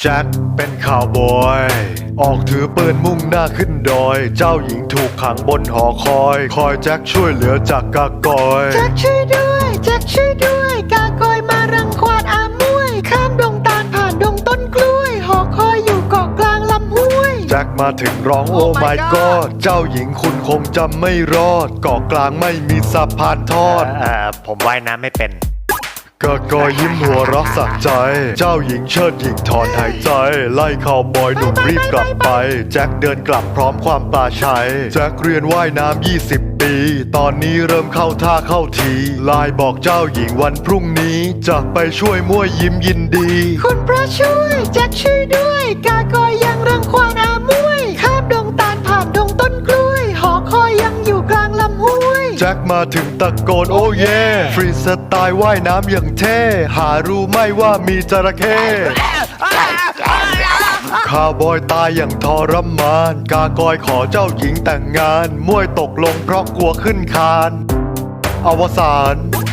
แจ็คเป็นข่าวบอยออกถือปืนมุ่งหน้าขึ้นดอยเจ้าหญิงถูกขังบนหอคอยแจ็คช่วยเหลือจากกากอยแจ็คช่วยด้วยแจ็คช่วยด้วยกากอยมารังควานอามวยข้ามดงตาลผ่านดงต้นกล้วยหอคอยอยู่เกาะกลางลำห้วยแจ็คมาถึงร้องโอ้ my god เจ้าหญิงคุณคงจำไม่รอดเกาะกลางไม่มีสะพานทอดผมว่ายน้ำไม่เป็นกากอยยิ้มหัวเรักสักใจเจ้าหญิงเชิดหญิงถอนหายใจไล่ข่าวบอยหนุ่มรีบกลับไปแจ็คเดินกลับพร้อมความปลาชัยแจ็คเรียนว่ายน้ำ20 ปีตอนนี้เริ่มเข้าท่าเข้าทีไลน์บอกเจ้าหญิงวันพรุ่งนี้จะไปช่วยมั่วยิ้มยินดีคุณพระช่วยแจ็คช่วยด้วยกากอยยังรังควานอามวยข้ามดงตาลผ่านดงต้นกล้วยหอคอยยังอยู่กลางลำห้วยแจ็คมาถึงตะโกนโอ้เย่ฟรีสไตล์ว่ายน้ำอย่างเท่หารู้ไหมว่ามีจระเข้ข้าวบอยตายอย่างทรมานกากอยขอเจ้าหญิงแต่งงานมวยตกลงเพราะกลัวขึ้นคานอวสาน